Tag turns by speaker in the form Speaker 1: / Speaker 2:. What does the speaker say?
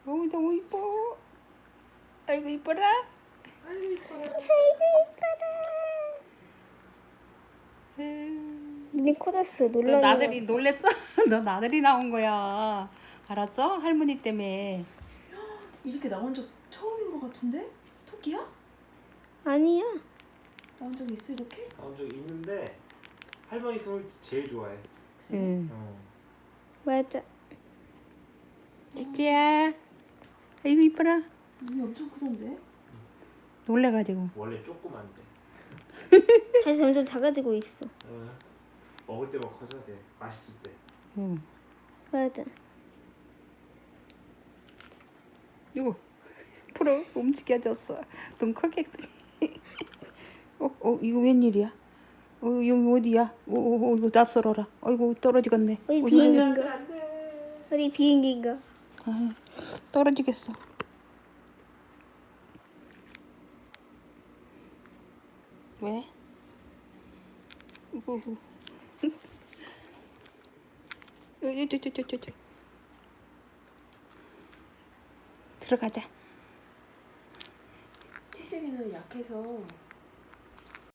Speaker 1: 너무 이뻐. 아이고 이뻐라.
Speaker 2: 아이고 이뻐라.
Speaker 3: 눈이 커졌어.
Speaker 1: 너
Speaker 3: 놀라는
Speaker 1: 나들이
Speaker 3: 거.
Speaker 1: 놀랬어? 너 나들이 나온 거야. 알았어? 할머니 때문에.
Speaker 2: 이렇게 나온 적 처음인 것 같은데? 토끼야?
Speaker 3: 아니야.
Speaker 2: 나온 적 있어 이렇게?
Speaker 4: 나온 적 있는데 할머니 손을 제일 좋아해.
Speaker 1: 응.
Speaker 3: 맞아.
Speaker 1: 찌찌야. 아이고 이뻐라.
Speaker 2: 눈이 엄청 크던데?
Speaker 1: 놀래가지고.
Speaker 4: 원래 조그만데.
Speaker 3: 다시 점점 작아지고 있어.
Speaker 4: 먹을 때만 커져 돼. 맛있을 때.
Speaker 1: 응.
Speaker 3: 맞아.
Speaker 1: 이거 프로 움직여졌어. 눈 크게. 이거 웬일이야? 여기 어디야? 이거 낯설어라. 어이구 떨어지겠네.
Speaker 3: 어디
Speaker 1: 어이구,
Speaker 3: 비행기인가? 어디 비행기인가?
Speaker 1: 아, 떨어지겠어. 왜? 우후. 저. 들어가자.
Speaker 2: 칠재기는 약해서